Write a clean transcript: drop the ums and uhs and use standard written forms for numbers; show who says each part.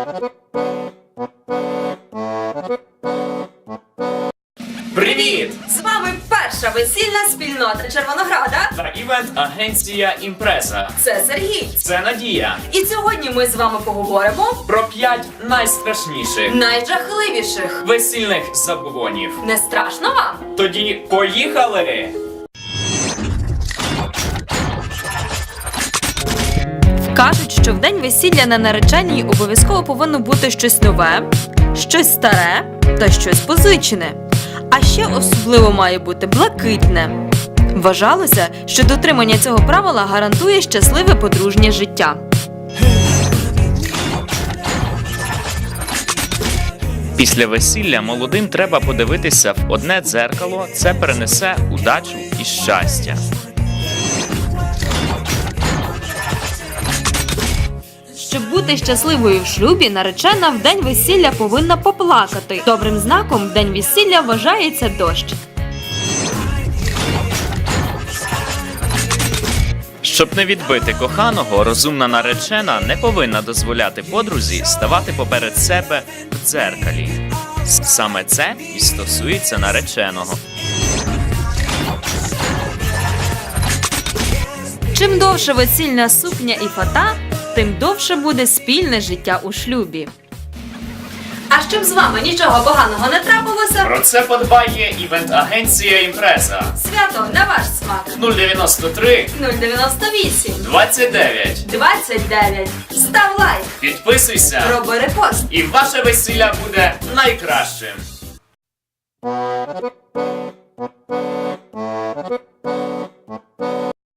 Speaker 1: Привіт!
Speaker 2: З вами перша весільна спільнота Червонограда.
Speaker 1: Та івент-агенція «Імпреза».
Speaker 2: Це Сергій.
Speaker 1: Це Надія.
Speaker 2: І сьогодні ми з вами поговоримо
Speaker 1: Про 5 найстрашніших
Speaker 2: найжахливіших.
Speaker 1: весільних забобонів.
Speaker 2: Не страшно вам?
Speaker 1: Тоді поїхали!
Speaker 2: Кажуть, що в день весілля на нареченій обов'язково повинно бути щось нове, щось старе та щось позичене. А ще особливо має бути блакитне. Вважалося, що дотримання цього правила гарантує щасливе подружнє життя.
Speaker 3: Після весілля молодим треба подивитися в одне дзеркало, це принесе удачу і щастя.
Speaker 2: Щоб бути щасливою в шлюбі, наречена в день весілля повинна поплакати. Добрим знаком в день весілля вважається дощ.
Speaker 3: Щоб не відбити коханого, розумна наречена не повинна дозволяти подрузі ставати поперед себе в дзеркалі. Саме це і стосується нареченого.
Speaker 2: Чим довше весільна сукня і фата, тим довше буде спільне життя у шлюбі. А щоб з вами нічого поганого не трапилося,
Speaker 1: Про це подбає івент-агенція «Імпреза».
Speaker 2: свято на ваш смак.
Speaker 1: 093
Speaker 2: 098
Speaker 1: 29.
Speaker 2: 29. Став лайк,
Speaker 1: Підписуйся,
Speaker 2: роби репост.
Speaker 1: і ваше весілля буде найкращим.